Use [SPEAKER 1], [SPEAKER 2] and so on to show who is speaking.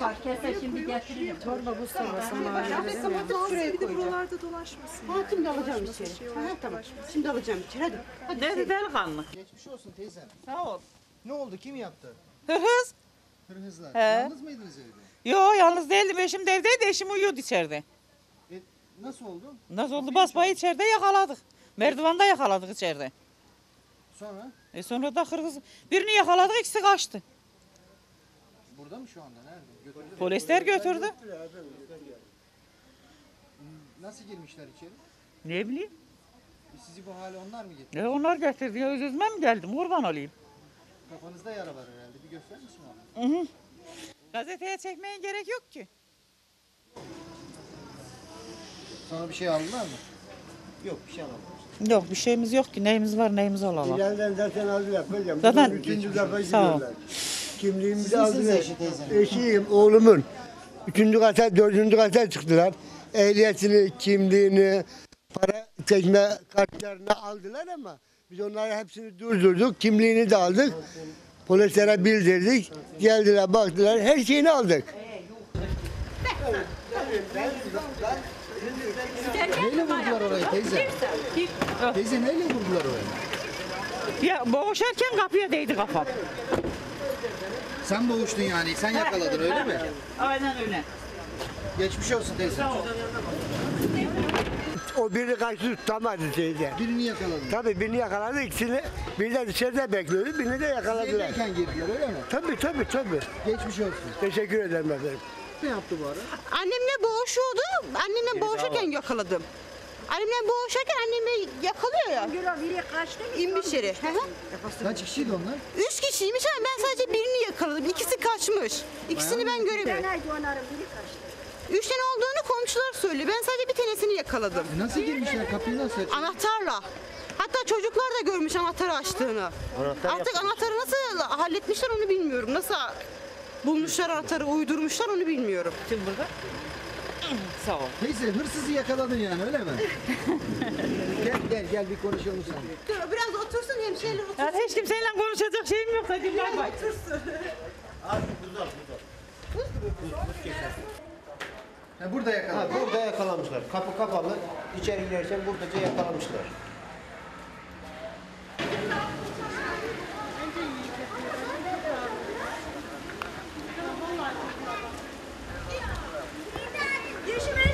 [SPEAKER 1] var. Kese şimdi getiririm.
[SPEAKER 2] Torba bu sormasın
[SPEAKER 3] Şuraya bir de buralarda dolaşmasın.
[SPEAKER 2] Ha şimdi alacağım içeri. Ha tamam. Şimdi alacağım içeri hadi. Hadi.
[SPEAKER 4] Dedi delikanlı.
[SPEAKER 5] Geçmiş olsun teyzem.
[SPEAKER 4] Sağ ol.
[SPEAKER 5] Ne oldu? Kim yaptı?
[SPEAKER 4] Hırhız.
[SPEAKER 5] Hırhızlar.
[SPEAKER 4] He.
[SPEAKER 5] Yalnız mıydınız evde?
[SPEAKER 4] Yo yalnız değildim. Eşim de evdeydi. Eşim uyuyordu içeride.
[SPEAKER 5] Nasıl oldu?
[SPEAKER 4] Nasıl oldu? Basbayı içeride yakaladık. Merdivanda yakaladık içeride.
[SPEAKER 5] Sonra?
[SPEAKER 4] Sonra da Kırgız birini yakaladık, ikisi kaçtı.
[SPEAKER 5] Burada mı şu anda? Nerede? Götürdü.
[SPEAKER 4] Polisler götürdü.
[SPEAKER 5] Nasıl girmişler içeri?
[SPEAKER 4] Ne bileyim.
[SPEAKER 5] Sizi bu hale onlar mı getirdi?
[SPEAKER 4] Onlar getirdi. Ya üzülmem mi geldim? Kurban olayım.
[SPEAKER 5] Kafanızda yara var herhalde. Bir gösterir misin onu?
[SPEAKER 4] Gazeteye çekmeye gerek yok ki.
[SPEAKER 5] Sana bir şey aldılar mı? Yok bir şey almadım.
[SPEAKER 4] Yok bir şeyimiz yok ki. Neyimiz var neyimiz olalım.
[SPEAKER 6] İleriden zaten aldılar hocam.
[SPEAKER 4] Zaten-
[SPEAKER 6] Üçüncü defa
[SPEAKER 4] Sağ ol.
[SPEAKER 6] gidiyorlar. Kimliğimizi
[SPEAKER 5] Siz misiniz
[SPEAKER 6] aldılar.
[SPEAKER 5] eşi teyzenin?
[SPEAKER 6] Eşiyim, oğlumun. Üçüncü kata, dördüncü kata çıktılar. Ehliyetini, kimliğini, para çekme kartlarını aldılar ama biz onları hepsini durdurduk. Kimliğini de aldık. Polislere bildirdik. Geldiler, baktılar. Her şeyini aldık.
[SPEAKER 5] Neyle vurdular orayı teyze? Teyze neyle vurdular orayı?
[SPEAKER 4] Ya boğuşarken kapıya değdi kafam.
[SPEAKER 5] Sen boğuştun yani. Sen yakaladın öyle mi?
[SPEAKER 4] Aynen öyle.
[SPEAKER 5] Geçmiş olsun teyze.
[SPEAKER 6] O birini kaçtı tutamadı teyze.
[SPEAKER 5] Birini yakaladın.
[SPEAKER 6] Tabii birini yakaladı, ikisini. Bir de dışarıda bekliyordu, birini de yakaladılar.
[SPEAKER 5] Evdeyken girdiler öyle mi?
[SPEAKER 6] Tabii.
[SPEAKER 5] Geçmiş olsun.
[SPEAKER 6] Teşekkür ederim efendim.
[SPEAKER 5] Ne yaptı bu ara?
[SPEAKER 2] Annemle boğuşuyordu. Annemle boğuşurken yakaladım. Annemle boğuşurken annemi yakalıyor ya.
[SPEAKER 1] Biri kaçtı.
[SPEAKER 2] İnmiş yere. Hı hı.
[SPEAKER 5] Kaç kişiydi onlar?
[SPEAKER 2] 3 kişiymiş ama ben sadece birini yakaladım. İkisi kaçmış. İkisini ben göremedim.
[SPEAKER 1] Haydi onların biri kaçtı.
[SPEAKER 2] 3 tane olduğunu komşular söylüyor. Ben sadece bir tanesini yakaladım.
[SPEAKER 5] Nasıl girmişler? Kapıyı nasıl açtı?
[SPEAKER 2] Anahtarla. Hatta çocuklar da görmüş anahtarı açtığını. Artık anahtarı nasıl halletmişler onu bilmiyorum. Nasıl bulmuşlar anahtarı, uydurmuşlar onu bilmiyorum.
[SPEAKER 4] Kim burada? Sağ ol.
[SPEAKER 5] Teyze hırsızı yakaladın yani öyle mi? gel bir konuşalım sen.
[SPEAKER 2] Dur biraz otursun hemşehriler otursun.
[SPEAKER 4] Yani hiç kimseyle konuşacak şeyim yok. Hadi bay bay.
[SPEAKER 5] Burada yakaladın.
[SPEAKER 7] Burada yakalamışlar. Kapı kapalı. İçeri girerken buradaca yakalamışlar.